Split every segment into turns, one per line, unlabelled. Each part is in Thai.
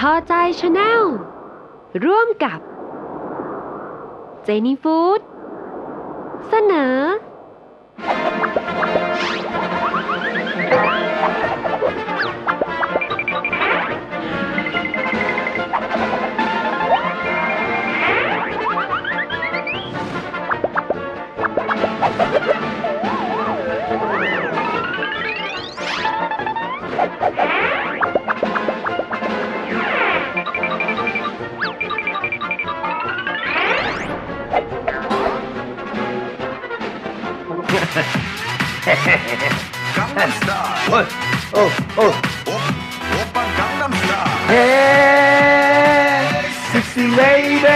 พอใจชาแนลร่วมกับเจนี่ฟู้ดเสนอ
Sexy lady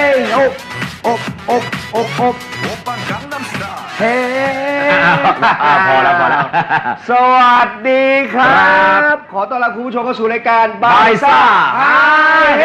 พอแล้วสวัสดีครับขอต้อนรับคุณผู้ชมเข้าสู่รายการบายซ่าฮาเฮ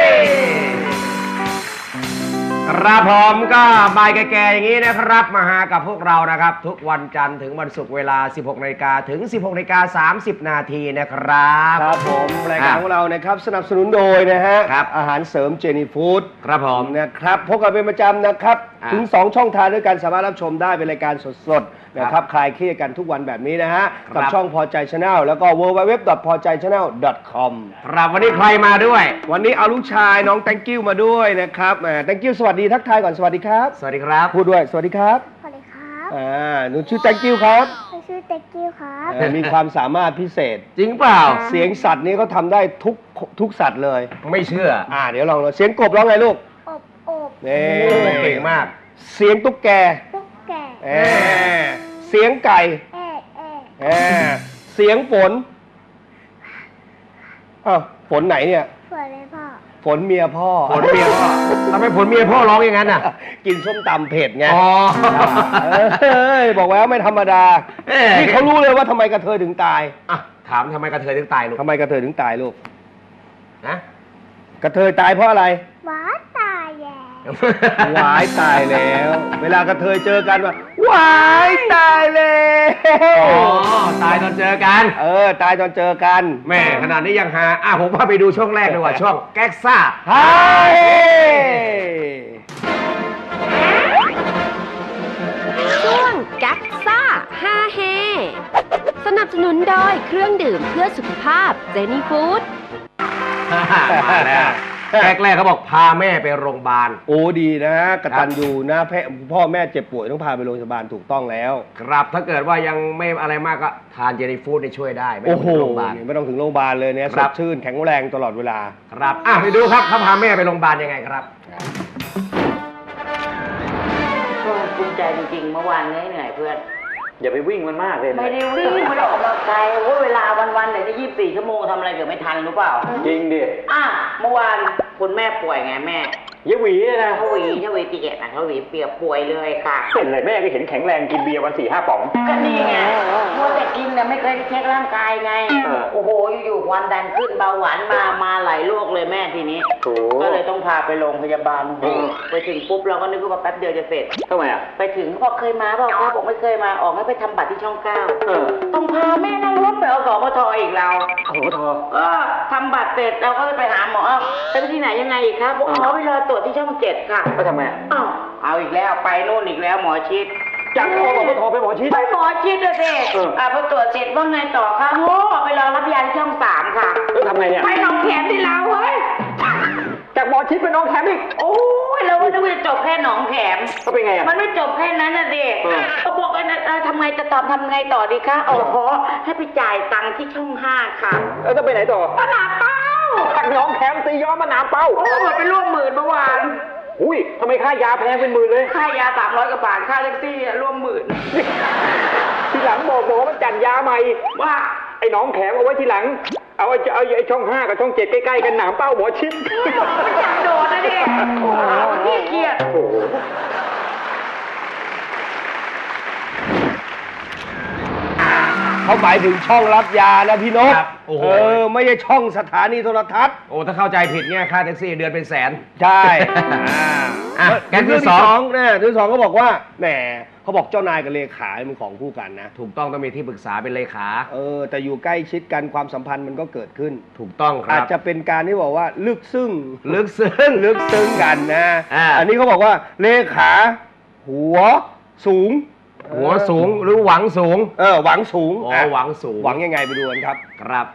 ครับผมก็บ่ายแก่ๆอย่างนี้นะครับมาหากับพวกเรานะครับทุกวันจันทร์ถึงวันศุกร์เวลา 16 นาฬิกาถึง 16 นาฬิกา 30 นาทีนะครับครับผมรายการของเรานะครับสนับสนุนโดยนะฮะอาหารเสริมเจนี่ฟู้ดครับผมนะครับพบกันเป็นประจำนะครับถึง2ช่องทางด้วยกันสามารถรับชมได้เป็นรายการสดๆนะครับคลายเครียดกันทุกวันแบบนี้นะฮะกับช่องพอใจชาแนลแล้วก็ www.pojaychannel.com ครับวันนี้ใครมาด้วยวันนี้เอาลูกชายน้องแตงกิ้วมาด้วยนะครับแตงกิ้วสวัสดีทักทายก่อนสวัสดีครับสวัสดีครับพูดด้วยสวัสดีครับ
สวัสดีครับ
หนูชื่อแตงกิ้วครับ
ชื่อแตงกิ้วครับ
มีความสามารถพิเศษจริงเปล่าเสียงสัตว์นี้เขาทำได้ทุกสัตว์เลยไม่เชื่อเดี๋ยวลองเสียงกบร้องไงลูก
อบ
นี่เก่งมากเสียงตุ๊กแกเสียงไก่เสียงฝนฝนไหนเนี่ย
ฝนเลยพ่อ
ฝนเมียพ่อทำไมฝนเมียพ่อร้องอย่างนั้นน่ะกินส้มตำเผ็ดไงบอกแล้วไม่ธรรมดานี่เขารู้เลยว่าทำไมกระเทยถึงตายถามทำไมกระเทยถึงตายลูกทำไมกระเทยถึงตายลูกนะกระเทยตายเพราะอะไร
ว้าตายแย่
วายตายแล้วเวลากระเทยเจอกันว่าวายตายแล้วตายตอนเจอกันตายตอนเจอกันแม่ขนาดนี้ยังหาผมว่าไปดูช่วงแรกดีกว่าช่วงแก๊กซ่าฮาเฮ
ช่วงแก๊กซ่าฮาเฮสนับสนุนโดยเครื่องดื่มเพื่อสุขภาพเจนี่ฟู้ด
มาแล้วแรกเขาบอกพาแม่ไปโรงพยาบาลโอ้ดีนะกตัญญูนะพ่อแม่เจ็บป่วยต้องพาไปโรงพยาบาลถูกต้องแล้วครับถ้าเกิดว่ายังไม่อะไรมากก็ทานเจนี่ฟู้ดช่วยได้ไม่ต้องถึงโรงพยาบาลไม่ต้องถึงโรงพยาบาลเลยเนี่ยสดชื่นแข็งแรงตลอดเวลาครับไปดูครับเขาพาแม่ไปโรงพยาบาลยังไงครับ
ก็ภูมิใจจริงๆเมื่อวานเหนื่อยเพื่อน
อย่าไปวิ่งมันมากเลย
ไม่ได้วิ่งไม่ได้ออกกำลังกายเวลาวันๆไหนจะ24 ชั่วโมงทำอะไรเกิดไม่ทันรู้เปล่า
จริงดิ
เมื่อวานคุณแม่ป่วยไงแม่
ยายหวีนะ
เขาหวีตีเกตนะเขาหวีเปียกป่วยเลยค่ะ
เป็นเลยแม่ก็เห็นแข็งแรงกินเบียร์วัน 4-5 ป๋อง
ก็นี่ไงมัวแต่กินเนี่ยไม่เคยเช็คร่างกายไงโอ้โหอยู่ๆความดันขึ้นเบาหวานมาหลายโรคเลยแม่ทีนี้ก็เลยต้องพาไปโรงพยาบาลไปถึงปุ๊บเราก็นึกว่าแป๊บเดียวจะเสร็จ
ทำไม
ไปถึงบอกเคยมาเปล่าครับบอกไม่เคยมาออกให้ไปทำบัตรที่ช่อง 9ต้องพาแม่นั่งรถไปเอาสมทอีกเราทำบัตรเสร็จเราก็ไปหาหมอไปที่ไหนยังไงอีกครับบอกไปรอตรวจที่ช่อง 7ค่ะ
ไปทำไม
เอาอีกแล้วไปโน่นอีกแล้วหมอชิด
จากสมทไปหมอชิด
ไปหมอชิดเลยสิพอตรวจเสร็จว่าไงต่อคะไปรอรับยาที่ช่อง 3ค่ะ
ทำไงเนี่ย
ไปหนองแขมที่เราเฮ้ย
จากหมอชิดไปหนองแขมอีก
โอ้ยเราก็นึกว่าจะจบแค่หนองแขม
ก็เป็นไง
มันไม่จบแค่นั้นนะเด็กเขาบอกว่าทำไงจะทำไงต่อดีคะให้ไปจ่ายตังค์ที่ช่อง 5ค่ะ
แล้วจะไปไหนต่อ
มะนาวเป้า
จากหนองแขมตีย้อมมะนาวเป้า
หมดไปร่วม10,000เมื่อวาน
อุ้ยทำไมค่ายาแพงเป็น10,000เลย
ค่ายา300 กว่าบาทค่าแท็กซี่ร่วม
10,000ทีหลังบอกมันจัดยาใหม่
ว่า
ไอ้หนองแขมเอาไว้ทีหลังเอาไอ้ช่อง 5กับช่อง 7ใกล้ๆกันหนามเป้าหมอชิด
มันจัดโดดนะดิโอ้โหเครียด
เขาหมายถึงช่องรับยานะพี่นกไม่ใช่ช่องสถานีโทรทัศน์ถ้าเข้าใจผิดเนี่ยค่าแท็กซี่เดือนเป็นแสนใช่แกนที่2เนี่ยที่2ก็บอกว่าแหมเขาบอกเจ้านายกับเลขาเป็นของคู่กันนะถูกต้องต้องมีที่ปรึกษาเป็นเลขาแต่อยู่ใกล้ชิดกันความสัมพันธ์มันก็เกิดขึ้นถูกต้องครับอาจจะเป็นการที่บอกว่าลึกซึ้งกันนะอันนี้เขาบอกว่าเลขาหัวสูงหรือหวังสูงหวังสูงหวังสูงหวังยังไงไปดูกันครับครับ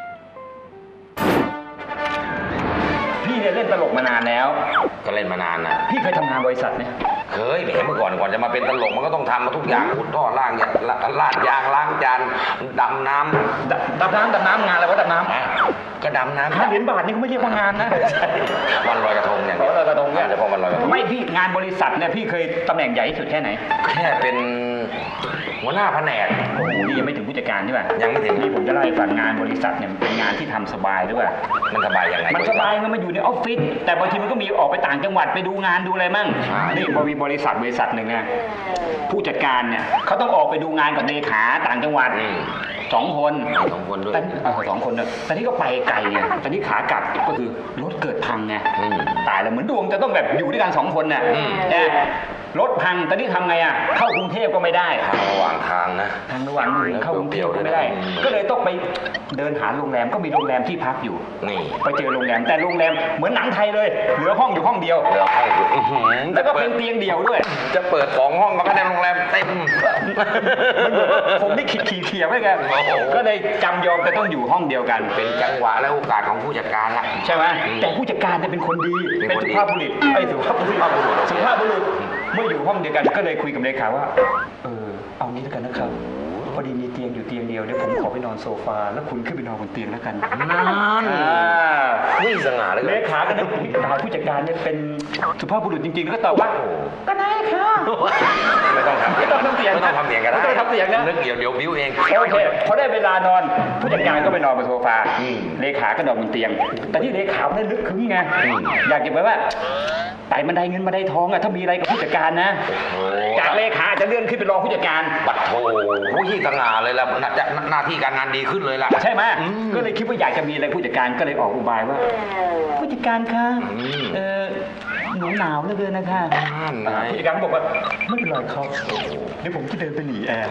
พี่เนี่ยเล่นตลกมานานแล้ว
ก็เล่นมานานนะ
พี่เคยทำงานบริษัทไหม
เคยแหมเมื่อก่อนจะมาเป็นตลกมันก็ต้องทำมาทุกอย่างขุดท่อล่างลาดยางล้างจานดำน้ำ
ดำน้ำงานอะไรวะดำน้ำ
ก็ดำน้ำ
5 เหรียญบาทนี่เขาไม่เรียกว่างานนะ
วันลอยกระทงอย่างเดียว
ลอยกระทงเนี่ย
เฉพาะวันลอยกระทง
ไม่พี่งานบริษัทเนี่ยพี่เคยตำแหน่งใหญ่ที่สุดแค่ไหน
แค่เป็นหัวหน้าแผนก
โอ้โหนี่ยังไม่ถึงผู้จัดการใช่ป่ะ
ยังไม่ถึง
นี่ผมจะเล่าให้ฟังงานบริษัทเนี่ยมันเป็นงานที่ทำสบายด้วยป่ะ
มันสบายยังไง
มันสบายมันมาอยู่ในออฟฟิศแต่บางทีมันก็มีออกไปต่างจังหวัดไปดูงานดูอะไรมั่ง
ใช่
นี่พอมีบริษัทหนึ่งนะผู้จัดการเนี่ยเขาต้องออกไปดูงานกับเลขาต่างจังหวัด2 คน
2 คนด้วย
2 คนเนี่ยแต่นี่ก็ไปไกลไงแต่นี่ขากลับก็คือรถเกิดพังไงตายแล้วเหมือนดวงจะต้องแบบอยู่ด้วยกัน2 คนน่ะรถพังแต่นี่ทำไงอ่ะเข้ากรุงเทพก็ไม่ได้
ทางระหว่างทางนะ
ทางระหว่างเข้ากรุงเทพก็ไม่ได้ ก็เลยต้องไปเดินหาโรงแรมก็มีโรงแรมที่พักอยู่
นี่
ไปเจอโรงแรมแต่โรงแรมเหมือนหนังไทยเลยเหลือห้องอยู่ห้องเดียว
เหลือห้องอยู่
แล้วก็เป็นเตียงเดียวด้วย
จะเปิด2 ห้องมันก็ได้โรงแรมเต็ม
ผมได้ขี่เขียไว้ไงก็เลยจำยอมแต่ต้องอยู่ห้องเดียวกัน
เป็นจังหวะและโอกาสของผู้จัดการละ
ใช่ไหมแต่ผู้จัดการเนี่ยเป็นคนดีเป็นสุภาพบุรุษสุภาพบุรุษเมื่ออยู่ห้องเดียวกันก็เลยคุยกับเลขาว่าเอางี้แล้วกันนะครับพอดีมีเตียงอยู่เตียงเดียวเดี๋ยวผมขอไปนอนโซฟาแล้วคุณขึ้นไปนอนบนเตียงแล้วกัน
นั่นวิ่งสง่าเลย
เลขาก็นึกตายผู้จัดการเนี่ยเป็นสุภาพบุรุษจริงๆแล้วก็ตอบว่าก็ได้ค่ะ
ไม่ต้องทำเสียง
ไม่ต้องทำเสียง
ไม่ต้องทำเสียงก็ได้
ไม่ต้องทำเสียงนะ
นึกเดี๋ยวบิ้วเอง
โอเคพอได้เวลานอนผู้จัดการก็ไปนอนบนโซฟาเลขาก็นอนบนเตียง แต่ที่เลขาเนี่ยนึกคึ้งไงอยากจะแบบว่าไต่บันไดเงินบันไดทองอะถ้ามีอะไรกับผู้จัดการนะจากเลขาจะเลื่อนขึ้นเป็นรองผู้จัดการ
บัดโถผู้ที่สง่าเลยล่ะหน้าที่การงานดีขึ้นเลยล่ะ
ใช่ไหมก็เลยคิดว่าอยากจะมีอะไรผู้จัดการก็เลยออกอุบายว่าผู้จัดการคะหนูหนาวเหลือเกินนะคะผู้จัดการบอกว่าไม่เป็นไรครับเดี๋ยวผมจะเดินไปหลีแอร์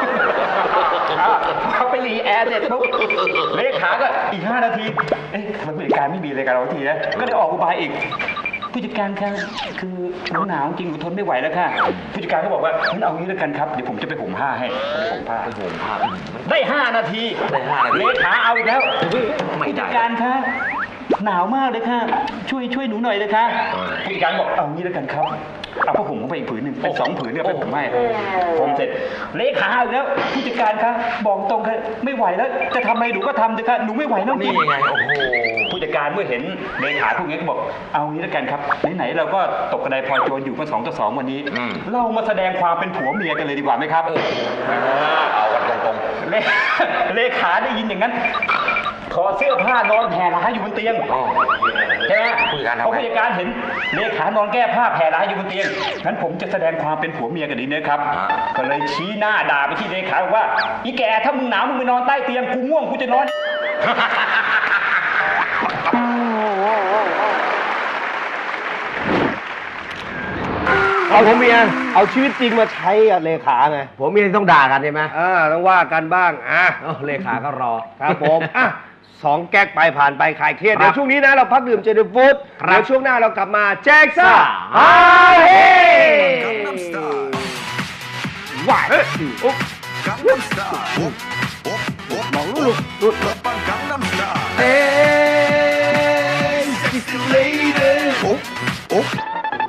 เขาไปหลีแอร์เสร็จปุ๊บเลขาก็อีก5 นาทีทำไมผู้จัดการไม่มีอะไรกับเราทีนะก็เลยออกอุบายอีกผู้จัดการคะคือหนูหนาวจริงหนูทนไม่ไหวแล้วค่ะผู้จัดการก็บอกว่างั้นเอางี้แล้วกันครับเดี๋ยวผมจะไปห่มผ้าให้ไปห่มผ้าได้5 นาทีเลขาเอาอีกแล้วผู้จัดการคะหนาวมากเลยค่ะช่วยหนูหน่อยเลยค่ะผู้จัดการบอกเอางี้แล้วกันครับเอาผ้าห่มเข้าไปอีกผืนหนึ่งเป็น2 ผืนเนี่ยไปห่มให้ผมเสร็จเลขาเอาอีกแล้วผู้จัดการคะบอกตรงค่ะไม่ไหวแล้วจะทำอะไรหนูก็ทำเถอะค่ะหนูไม่ไหวแล้วจริง
นี่ไงโอ้โห
ผู้จัดการเมื่อเห็นเลขาพวกนี้ก็บอกเอางี้แล้วกันครับไหนๆเราก็ตกกระไดพลอยโจรอยู่กัน2 ต่อ 2วันนี้เรามาแสดงความเป็นผัวเมียกันเลยดีกว่าไหมครับ
เอากันตรง
เลขาได้ยินอย่างนั้นถอดเสื้อผ้านอนแผ่ร้ายอยู่บนเตียงใช่ไหมพอผู้จัดการเห็นเลขานอนแก้ผ้าแผ่ร้ายอยู่บนเตียงงั้นผมจะแสดงความเป็นผัวเมียกันดีนะครับก็เลยชี้หน้าด่าไปที่เลขาว่าอีแกถ้ามึงหนาวมึงไปนอนใต้เตียงกูง่วงกูจะนอน
เอาผัวเมียเอาชีวิตจริงมาใช้กับเลขาไงผัวเมียต้องด่ากันใช่ไหมต้องว่ากันบ้างเลขาก็รอครับผม2 แก๊กไปผ่านไปคลายเครียดเดี๋ยวช่วงนี้นะเราพักดื่มเจนฟูดเดี๋ยวช่วงหน้าเรากลับมาแจ็คซ่าฮาเฮว้ายมองลูกเฮ้ยสิสเลเดอร์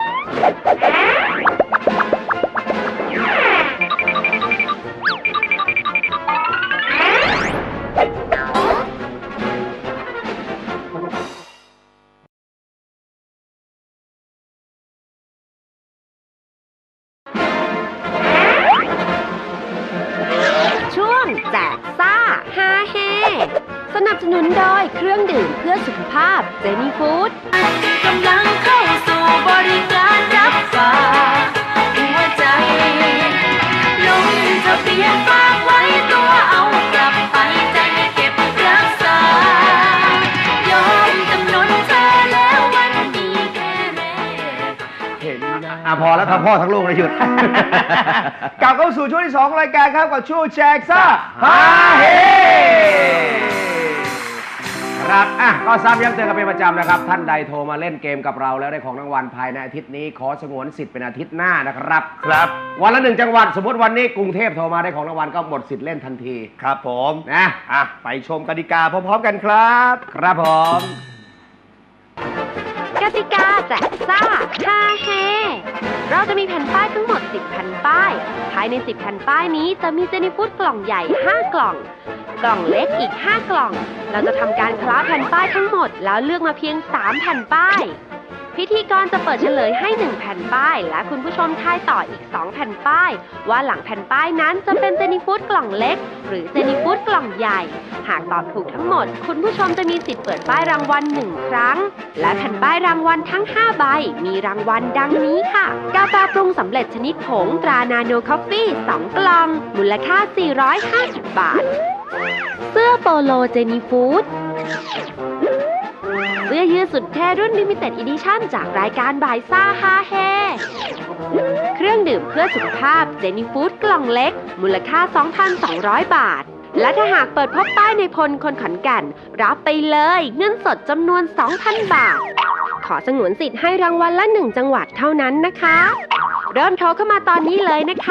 ช่วงแจกซ่าฮาเฮสนับสนุนโดยเครื่องดื่มเพื่อสุขภาพเจนี่ฟู้ดกำลังเข้าสู่บริการรับฝากหัวใจลงทะเบียนฝากไว้ตัวเอากลับไปใจเก็บรักษายอมจำนนเธอแล้ววันนี้แค่แรก
เห็นนะพอแล้วทั้งพ่อทั้งลูกเลยหยุด กลับเข้าสู่ช่วงที่ 2 รายการครับกับช่วงแจกซ่าฮาเฮครับก็ซ้ำย้ำเตือนกันเป็นประจำนะครับท่านใดโทรมาเล่นเกมกับเราแล้วได้ของรางวัลภายในอาทิตย์นี้ขอสงวนสิทธิ์เป็นอาทิตย์หน้านะครับครับวันละ1จังหวัดสมมติวันนี้กรุงเทพโทรมาได้ของรางวัลก็หมดสิทธิ์เล่นทันทีครับผมนะไปชมกติกาพร้อมๆกันครับครับผม
กติกาแจกซ่าฮาเฮเราจะมีแผ่นป้ายทั้งหมด 10 แผ่นป้าย ภายใน 10 แผ่นป้ายนี้จะมีเจนี่ฟูดกล่องใหญ่ 5 กล่อง กล่องเล็กอีก 5 กล่อง เราจะทำการคล้าแผ่นป้ายทั้งหมดแล้วเลือกมาเพียง 3 แผ่นป้าย พิธีกรจะเปิดเฉลยให้ 1 แผ่นป้าย และคุณผู้ชมทายต่ออีก 2 แผ่นป้าย ว่าหลังแผ่นป้ายนั้นจะเป็นเจนี่ฟูดกล่องเล็ก หรือเจนี่ฟูดกล่องใหญ่ หากตอบถูกทั้งหมด คุณผู้ชมจะมีสิทธิ์เปิดป้ายรางวัล1ครั้ง และแผ่นป้ายรางวัลทั้ง 5 ใบ มีรางวัลดังนี้ค่ะ กาแฟปรุงสำเร็จชนิดผงตรานาโนคอฟฟี่ 2 กล่อง มูลค่า 450 บาท เสื้อโปโลเจนี่ฟูดเสื้อยืดสุดเท่รุ่น Limited Edition จากรายการบ่ายซ่าฮาเฮเครื่องดื่มเพื่อสุขภาพเจนี่ฟูดกล่องเล็ก มูลค่า 2,200 บาท และถ้าหากเปิดพบป้ายในพลคนขอนแก่นรับไปเลยเงินสดจำนวน 2,000 บาท ขอสงวนสิทธิ์ให้รางวัลละ 1 จังหวัดเท่านั้นนะคะ เริ่มโทรเข้ามาตอนนี้เลยนะคะ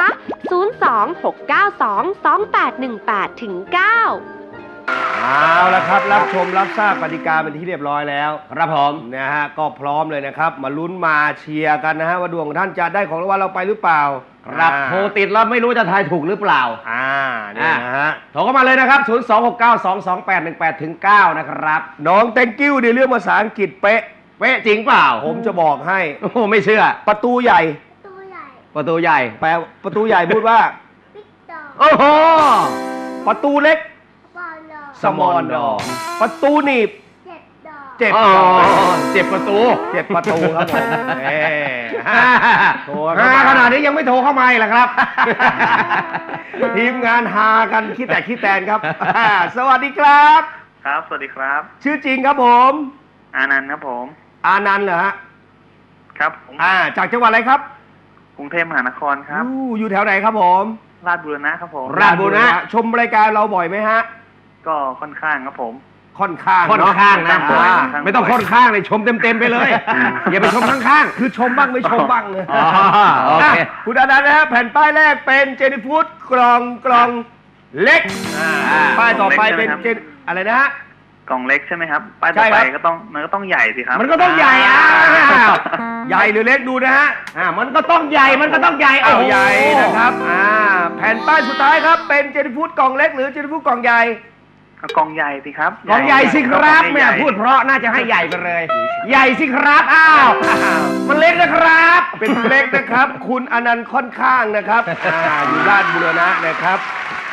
026922818ถึง9
เอาละครับรับชมรับทราบกติกาเป็นที่เรียบร้อยแล้วครับผมนะฮะก็พร้อมเลยนะครับมาลุ้นมาเชียร์กันนะฮะว่าดวงของท่านจะได้ของรางวัลเราไปหรือเปล่าครับโทรติดแล้วไม่รู้จะทายถูกหรือเปล่านี่นะฮะโทรเข้ามาเลยนะครับ 026922818ถึง9นะครับน้อง thank you ในเรื่องภาษาอังกฤษเป๊ะจริงเปล่าผมจะบอกให้โอ้ไม่เชื่อประตูใหญ่ประตูใหญ่แปลประตูใหญ่พูดว่าโอ้โหประตูเล็กสมอนดอประตูหนีบเจ็บประตูครับผมโทรขนาดนี้ยังไม่โทรเข้ามาอีกเหรอครับ ทีมงานหากันคิดแตนครับ สวัสดีครับ
ครับสวัสดีครับ
ชื่อจริงครับผม
อานันต์ครับผม
อานันต์เหรอฮะ
ครับผม
จากจังหวัดอะไรครับ
กรุงเทพมหานครครับ
อยู่แถวไหนครับผม
ราชบุรณะครับผม
ราชบุรณะชมรายการเราบ่อยไหมฮะ
ก็ค่อนข้างครับผม
ค่อนข้างนะไม่ต้องค่อนข้างเลยชมเต็มไปเลยอย่าไปชมข้างๆคือชมบ้างไม่ชมบ้างเลยโอเคคุณอานันต์นะฮะแผ่นป้ายแรกเป็นเจนี่ฟูดกล่องเล็กป้ายต่อไปเป็นอะไรนะฮะ
กล่องเล็กใช่ไหมครับป้ายต่อไปมันก็ต้องใหญ่สิครับ
มันก็ต้องใหญ่ใหญ่หรือเล็กดูนะฮะมันก็ต้องใหญ่เอาใหญ่นะครับแผ่นป้ายสุดท้ายครับเป็นเจนี่ฟูดกล่องเล็กหรือเจนี่ฟูดกล่องใหญ่
กล่องใหญ่สิครับ
กล่องใหญ่สิครับแม่พูดเพราะน่าจะให้ใหญ่ไปเลยใหญ่สิครับมันเล็กนะครับเป็นเล็กนะครับคุณอนันต์ค่อนข้างนะครับอยู่ราชบุรณะนะครับ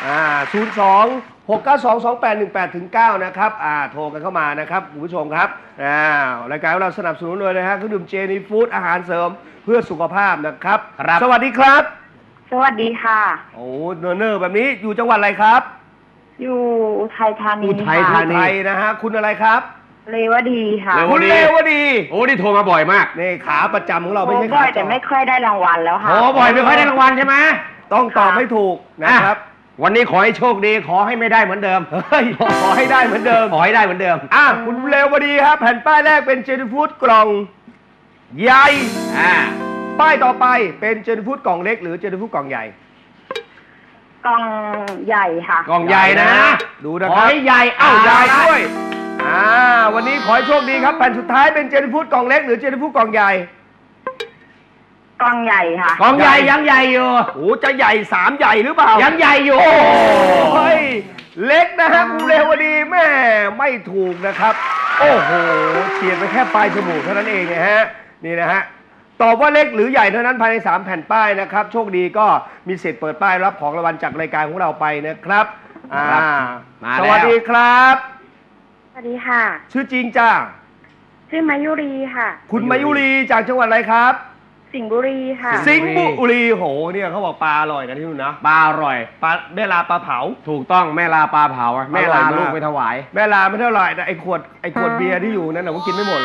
02-692-2818ถึง9นะครับโทรกันเข้ามานะครับคุณผู้ชมครับรายการของเราสนับสนุนโดยนะฮะเครื่องดื่มเจนี่ฟูดอาหารเสริมเพื่อสุขภาพนะครับสวัสดีครับ
สวัสดีค่ะ
โอ้เนอร์แบบนี้อยู่จังหวัดอะไรครับ
อยู่อุทัยธานี
นะฮะคุณอะไรครับ
เรวดีค่ะ
คุณเรวดีโอ้นี่โทรมาบ่อยมากนี่ขาประจำของเราไม่ใช่ขา
บ่อยแต่ไม่ค่อยได้รางวัลแล้วค่ะ
โอ้บ่อยไม่ค่อยได้รางวัลใช่ไหมต้องตอบให้ถูกนะครับวันนี้ขอให้โชคดีขอให้ไม่ได้เหมือนเดิมขอให้ได้เหมือนเดิมคุณเรวดีครับแผ่นป้ายแรกเป็นเจนี่ฟูดกล่องใหญ่ป้ายต่อไปเป็นเจนี่ฟูดกล่องเล็กหรือเจนี่ฟูดกล่องใหญ่
กล่องใหญ่ค่ะ
กล่องใหญ่นะดูนะครับขอให้ใหญ่ใหญ่ด้วยวันนี้ขอให้โชคดีครับแผ่นสุดท้ายเป็นเจนี่ฟูดกล่องเล็กหรือเจนี่ฟูดกล่องใหญ่
กล่องใหญ่ค่ะ
กล่องใหญ่ยังใหญ่อยู่โอ้จะใหญ่3ใหญ่หรือเปล่ายังใหญ่อยู่โอ้ยเล็กนะฮะคุณเรวดีแม่ไม่ถูกนะครับโอ้โหเฉียดไปแค่ปลายจมูกเท่านั้นเองนะฮะนี่นะฮะตอบว่าเล็กหรือใหญ่เท่านั้นภายใน3แผ่นป้ายนะครับโชคดีก็มีสิทธิ์เปิดป้ายรับของรางวัลจากรายการของเราไปนะครับสวัสดีครับ
สวัสดีค่ะ
ชื่อจริงจ้า
ชื่อมายุรีค่ะ
คุณมายุรีจากจังหวัดอะไรครับ
สิงห์บุรีค่ะ
สิงห์บุรีโหเนี่ยเขาบอกปลาอร่อยนะที่นู่นนะปลาอร่อยปลาแม่ลาปลาเผาถูกต้องแม่ลาปลาเผาแม่ลาลูกไปถวายแม่ลาไม่เท่าไหร่แต่ไอ้ขวดเบียร์ที่อยู่นั่นน่ะผมกินไม่หมดหรอก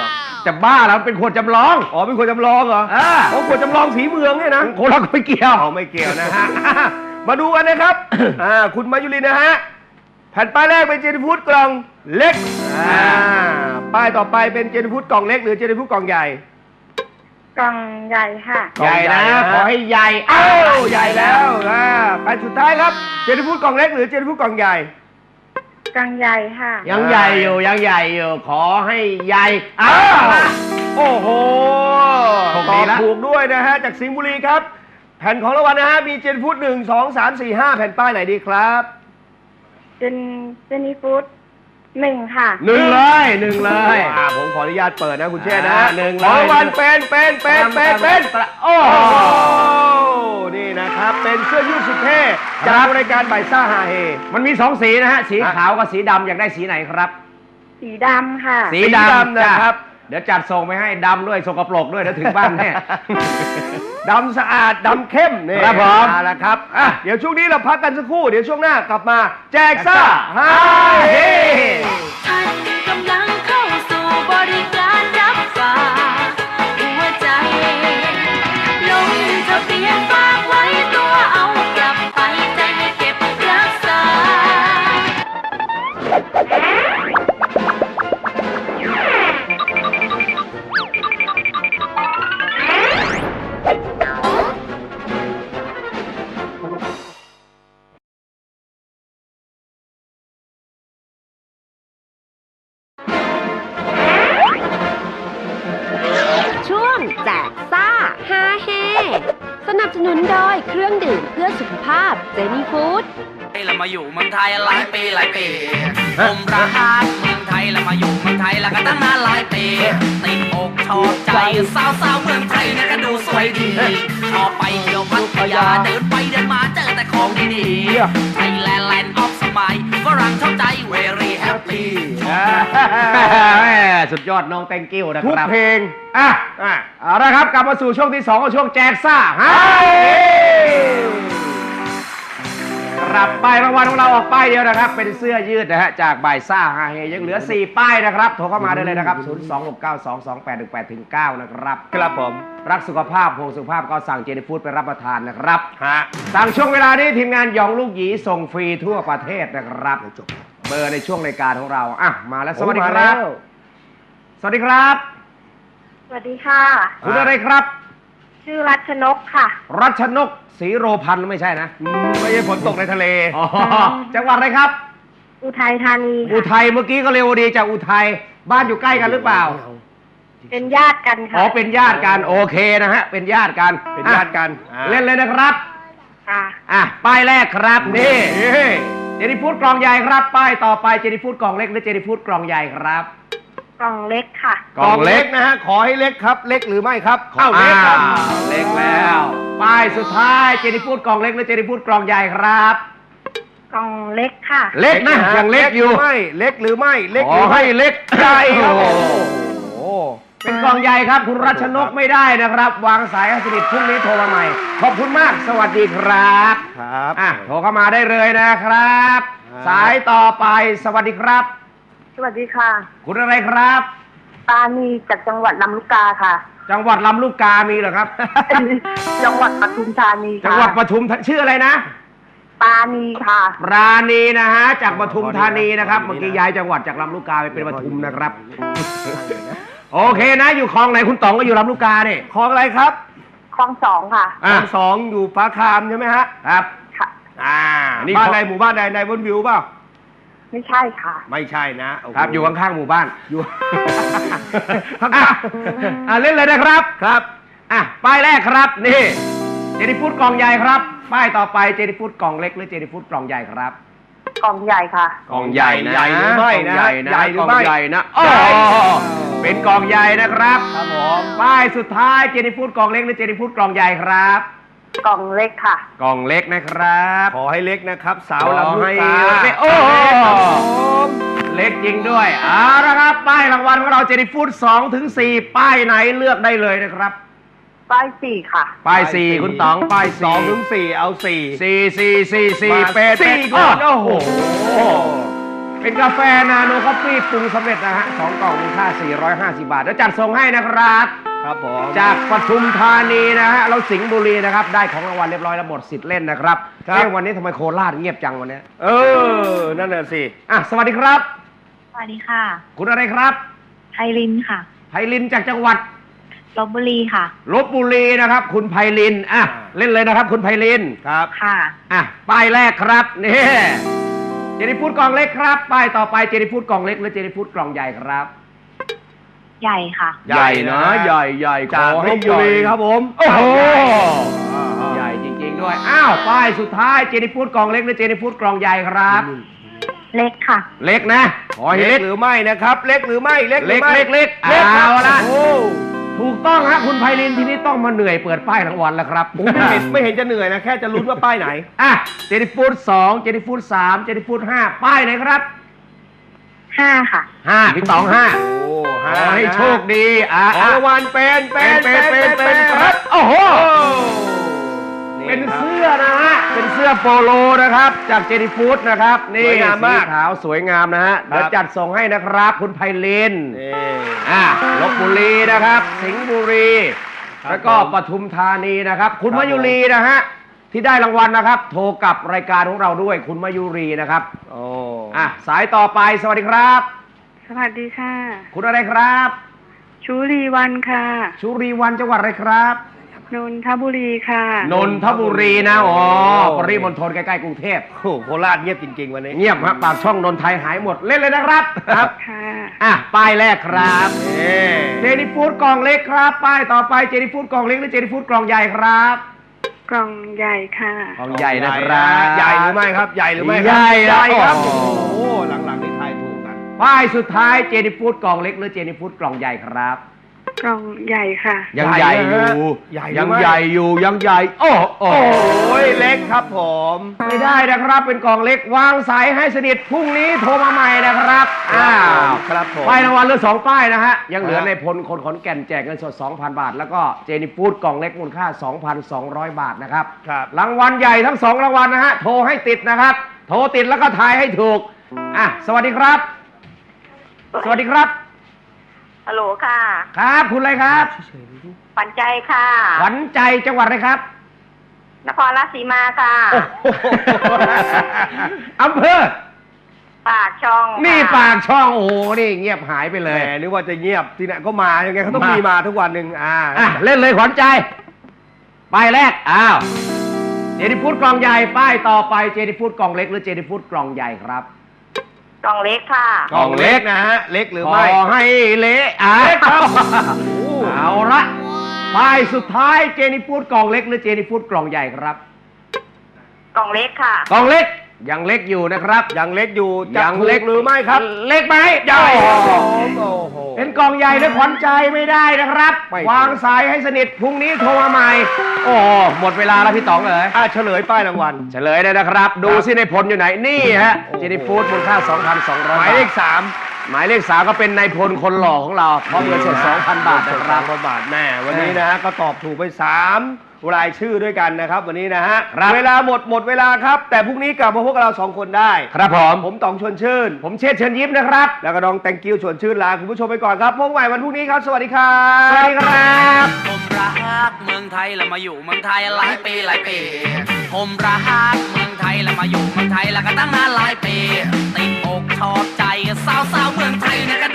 จะบ้าแล้วเป็นขวดจำลอง
อ๋อเป็นคนจำลองเหรอ
โอ้ขวดจำลองสีเมืองเนี่ยนะโคนละไม่เกี่ยว
อ๋อไม่เกี่ยวนะฮะ มาดูกันนะครับ คุณมายุรินนะฮะ แผ่นป้ายแรกเป็นเจนิฟูดกล่องเล็ก ป้ายต่อไปเป็นเจนิฟูดกล่องเล็กหรือเจนิฟูดกล่องใหญ่
กล่องใหญ่ค่ะ
ใหญ่นะ ขอให้ใหญ่
เอ้าใหญ่แล้วแผ่นสุดท้ายครับ เจนิฟูดกล่องเล็กหรือเจนิฟูดกล่องใหญ่
กล่องใหญ่ค่ะ
ยังใหญ่อยู่ยังใหญ่อยู่ขอให้ใหญ่
โอ้โห
โชค
ต
ดี
อบ
ละ
ถูกด้วยนะฮะ จากสิงห์บุรีครับ แผ่นของรางวัลนะฮะ มีเจนิฟูด1 2 3 4 5 แผ่นป้ายไหนดีครับ
เจนี่ฟูด1 ค่ะ
หนึ่งเลย
ผมขออนุญาตเปิดนะคุณเชษฐ์นะ
หนึ่ง
ข
เล
อง
ย
รางวัลเป็น
โอ้
โอ้โหนี่นะครับ เป็นเสื้อยืดสุดเท่จากรายการบ่ายซ่าฮาเฮ
มันมี2 สีนะฮะ สีขาวกับสีดำอยากได้สีไหนครับ
สีดำค่ะ
สีดำนะครับ เดี๋ยวจัดส่งไปให้ดำด้วยสกปรกด้วยเดี๋ยวถึงบ้านแน่
ดำสะอาด ดำเข้มนี่
ครับผม
เอาละครับเดี๋ยวช่วงนี้เราพักกันสักครู่ เดี๋ยวช่วงหน้ากลับมา แจกซ่าฮาเฮ
ท่านกำลังเข้าสู่บริการรับฝากหัวใจ ลงทะเบียนฝากไว้ตัวเอากลับไปใจให้เก็บรักษา ช่วงแจกซ่าฮาเฮสนับสนุนโดยเครื่องดื่มเพื่อสุขภาพเจนี่ฟู้ด
เรามาอยู่เมืองไทยหลายปีผมรักเมืองไทยแล้วมาอยู่เมืองไทยแล้วก็ตั้งนานหลายปีติดอกชอบใจสาวๆเมืองไทยนะก็ดูสวยดีชอบไปเที่ยวพัทยาเดินไปเดินมาเจอแต่ของดีๆไทยแลนด์แลนด์ออฟสมัยฝรั่งชอบใจ very happy
สุดยอดน้องแตงกิ้วนะ
ทุ
ค
ก
รับ
เพลง
เอาละครับกลับมาสู่ช่วงที่2ของช่วงแจกซ่าฮาครับป้ายรางวัลของเราออกป้ายเดียวนะครับ เป็นเสื้อยืดนะฮะจากบ่ายซ่าฮาเฮยังเหลือ4ป้ายนะครับโทรเข้ามาได้เลยนะครับ 026922818-9 นะครับ
ครับผม
รักสุขภาพห่วงสุขภาพก็สั่งเจนี่ฟู้ดไปรับประทานนะครับสั่งช่วงเวลานี้ทีมงานหยองลูกหยีส่งฟรีทั่วประเทศนะครับเบอร์ในช่วงรายการของเรามาแล้วสวัสดีครับสวัสดีครับ
สวัสดีค่ะ
คุณอะไรครับ
ชื่อรัชนกค่ะ
รัชนกศรีโรพันธ์ไม่ใช่นะ
ไม่ใช่ฝนตกในทะเล
จังหวัดอะไรครับ
อุทัยธานี
อุทัยเมื่อกี้ก็เร็วดีจากอุทัยบ้านอยู่ใกล้กันหรือเปล่า
เป็นญาติกันค่ะ
อ๋อเป็นญาติกันโอเคนะฮะเป็นญาติกัน
เป็นญาติกัน
เล่นเลยนะครับ
ค่ะ
ป้ายแรกครับนี่เจนี่ฟู้ดกล่องใหญ่ครับป้ายต่อไปเจนี่ฟู้ดกล่องเล็กหรือเจนี่ฟู้ดกล่องใหญ่ครับ
กล่องเล็กค่ะ
กล่องเล็กนะฮะ ขอให้เล็กครับ เล็กหรือไม่ครับ
เล็กครับเล็กแล้วป้ายสุดท้ายเจนี่ฟู้ดกล่องเล็กหรือเจนี่ฟู้ดกล่องใหญ่ครับ
กล่องเล็กค่ะ
เล็กนะยังเล็กอยู่
ไม่เล็กหรือไม่เล็ก
ข
ห
อ
รือไม่
ให้เล็ก
ใหญ่ครับ
โอ้
โอ้
โหเป็นกล่องใหญ่ครับคุณรัชนกไม่ได้นะครับ วางสายให้สนิทพรุ่งนี้โทรมาใหม่ขอบคุณมากสวัสดีครับ
ครับ
โทรเข้ามาได้เลยนะครับ สายต่อไปสวัสดีครับ
สวัสดีค่ะ
คุณอะไรครับ
ปานีจากจังหวัดลำลูกกาค่ะ
จังหวัดลำลูกกามีเหรอครับ
จังหวัดปทุมธานีค่ะ
จังหวัดปทุมชื่ออะไรนะ
ปานีค่ะ
ปราณีนะฮะจากปทุมธานีนะครับเมื่อกี้ย้ายจังหวัดจากลำลูกกาไปเป็นปทุมนะครับ โอเคนะอยู่คลองไหนคุณต๋องก็อยู่ลำลูกกาเนี่ย
คลองอะไรครับ
คลอง2ค่ะ
คลอง2อยู่ฟ้าคามใช่ไหมฮะ
ครับ
ค่ะ
นี่
บ้านใดหมู่บ้านใดในบนวิวเปล่า
ไม่ใช่ค่ะ
ไม่ใช่นะโโห
ครับอยู่ข้างๆหมู่บ้าน
อยู่
เล่นเลยนะครับ
ครับ
ป้ายแรกครับนี่เจนี่ฟู้ดกล่องใหญ่ครับป้ายต่อไปเจนี่ฟู้ดกล่องเล็กหรือเจนี่ฟู้ดกล่องใหญ่ครับ
กล่องใหญ่ค่ะ
กล่องใหญ่นะ
ใหญ่หรือไม่นะ
กล่องใหญ่นะ
ใหญ่หรื
กล่
อ
อง
ไม่
ใหญ่นะ
ใหญ่
เป็นกล่องใหญ่นะครับ
ครับผม
ป้ายสุดท้ายเจนี่ฟู้ดกล่องเล็กหรือเจนี่ฟู้ดกล่องใหญ่ครับ
กล่องเล็กค่ะ
กล่องเล็กนะครับ
ขอให้เล็กนะครับ สาวลำลูกกา
ขอให้เล็กโอ้โห เล็กจริงด้วยเอาละครับป้ายรางวัลของเราเจนี่ฟู้ด2 ถึง 4ป้ายไหนเลือกได้เลยนะครับ
ป้าย4ค่ะ
ป้าย 4 คุณต๋องป้าย
2 ถึง 4 เอา 4
4 4 4 4
มา
เป็ด
สี่
เป็ด
ก่อนโอ้โห
เป็นกาแฟนาโนคอฟฟี่ปรุงสำเร็จนะฮะ2กล่องมูลค่า450 บาทแล้วจัดส่งให้นะครับ
ครับผม
จากปทุมธานีนะฮะเราสิงห์บุรีนะครับได้ของรางวัลเรียบร้อยแล้วหมดสิทธิ์เล่นนะครับวันนี้ทำไมโคราชเงียบจังวันนี้
นั่นน่ะสิ
สวัสดีครับ
สวัสดีค่ะ
คุณอะไรครับ
ไพลินค่ะ
ไพลินจากจังหวัด
ลพบุรีค่ะ
ลพบุรีนะครับคุณไพลินเล่นเลยนะครับคุณไพลิน
ครับ
ค่ะ
ป้ายแรกครับนี่เจนิฟูดกล่องเล็กครับป้ายต่อไปเจนิฟูดกล่องเล็กหรือเจนิฟูดกล่องใหญ่ครับ
ใหญ่ค่ะ
ใหญ่นะใหญ่
จากลพบุรีครับผม
โอ้โหใหญ่จริงๆด้วยป้ายสุดท้ายเจนิฟูดกล่องเล็กหรือเจนิฟูดกล่องใหญ่ครับ
เล็กค่ะ
เล็กนะ
เล็กหรือไม่นะครับเล็กหรือไม่เล็ก
เอาละถูกต้องฮะคุณไพลินทีนี้ต้องมาเหนื่อยเปิดป้ายรางวัลแล้วครับ
ไม่เห็นจะเหนื่อยนะแค่จะลุ้นว่าป้ายไหน
เจนิฟูด2เจนิฟูด3เจนิฟูด5ป้ายไหนครับ
5ค่ะ
5พี่ตอง5ให้โชคดี
รางวัลเป็น
ครับโอ้โหเป็นเสื้อนะฮะเป็นเสื้อโปโลนะครับจากเจนิฟูดนะครับนี่สีขาวสวยงามนะฮะเดี๋ยวจัดส่งให้นะครับคุณไพลินลพบุรีนะครับสิงห์บุรีแล้วก็ปทุมธานีนะครับคุณมายุรีนะฮะที่ได้รางวัลนะครับโทรกับรายการของเราด้วยคุณมายุรีนะครับสายต่อไปสวัสดีครับ
สวัสดีค่ะ
คุณอะไรครับ
ชุรีวันค่ะ
ชุรีวันจังหวัดอะไรครับ
นนทบุรีค่ะ
นนทบุรีนะปริมณฑลใกล้ๆกรุงเทพ
โคราชเงียบจริงๆวันนี้
เงียบครับปากช่องนนไทยหายหมดเล่นเลยนะครับค่ะป้ายแรกครับเจนิฟูดกล่องเล็กครับป้ายต่อไปเจนิฟูดกล่องเล็กหรือเจนิฟูดกล่องใหญ่ครับ
กล่องใหญ่ค่ะ
กล่องใหญ่นะครับ
ใหญ่หรือไม่ครับใหญ่หรือไม่
ใหญ่
ครับโอ้โหหลังๆนี่ทายถูกกัน
ป้ายสุดท้ายเจนิฟูดกล่องเล็กหรือเจนิฟูดกล่องใหญ่ครับ
กล่องใหญ่ค่ะ
ยังใหญ่อยู่ยังใหญ่โอ้
ยเล็กครับผม
ไม่ได้นะครับเป็นกล่องเล็กวางสายให้สนิทพรุ่งนี้โทรมาใหม่นะครับ
ครับผม
ป้ายรางวัลเหลือ2ป้ายนะฮะยังเหลือในพลคนขอนแก่นแจกเงินสด 2,000 บาทแล้วก็เจนิฟูดกล่องเล็กมูลค่า 2,200 บาทนะครับรางวัลใหญ่ทั้ง2รางวัลนะฮะโทรให้ติดนะครับโทรติดแล้วก็ทายให้ถูกสวัสดีครับสวัสดีครับ
ฮัลโหลค่ะ
ครับคุณอะไรครับ
ขวัญใจค่ะ
ขวัญใจจังหวัดอะไรครับ
นครราชสีมาค่ะ
อำเภอ
ปากช่อง
นี่ปากช่องโอ้โหนี่เงียบหายไปเลย
นึกว่าจะเงียบที่ไหนก็มายังไงเขาต้องมีมาทุกวันหนึ่ง
เล่นเลยขวัญใจป้ายแรกเจนิฟูดกล่องใหญ่ป้ายต่อไปเจนิฟูดกล่องเล็กหรือเจนิฟูดกล่องใหญ่ครับ
กล่องเล็กค่ะ
กล่องเล็กนะฮะเล็กหรือไม่ขอให้เละครับเอาละป้ายสุดท้ายเจนิฟูดกล่องเล็กหรือเจนิฟูดกล่องใหญ่ครับ
กล่องเล็กค่ะ
กล่องเล็กยังเล็กอยู่นะครับ
ยังเล็กอยู่ยังเล็กหรือไม่ครับ
เล็กไหม
ใหญ่
เป็นกล่องใหญ่และขวัญใจไม่ได้นะครับวางสายให้สนิทพรุ่งนี้โทรมาใหม่หมดเวลาแล้วพี่ต๋องเลย
เฉลยป้ายรางวัล
เฉลยเลยนะครับดูซิในผลอยู่ไหนนี่ฮะเจนิฟูดมูลค่า 2,200
หมายเลข3
หมายเลข3ก็เป็นนายพลคนหล่อของเราพร้อมเงินสด 2,000 บาทนะครับ
2,000 บาทแม่วันนี้นะฮะก็ตอบถูกไป3รายชื่อด้วยกันนะครับวันนี้นะฮะเวลาหมดเวลาครับแต่พรุ่งนี้กลับมาพวกเรา2คนได้
ครับ
ผมต๋องชวนชื่น
ผมเชษฐ์เชิญยิ้มนะครับ
แล้วก็น้องแตงกิ้วชวนชื่นลาคุณผู้ชมไปก่อนครับพบกันใหม่วันพรุ่งนี้ครับสวัสดีครับ
สวัสดีครับ
ผมรักเมืองไทยแล้วมาอยู่เมืองไทยหลายปีผมรักเมืองไทยแล้วมาอยู่เมืองไทยแล้วก็ตั้งนานหลายปีติดอกชอบใจสาวๆเมืองไทยเนี่ย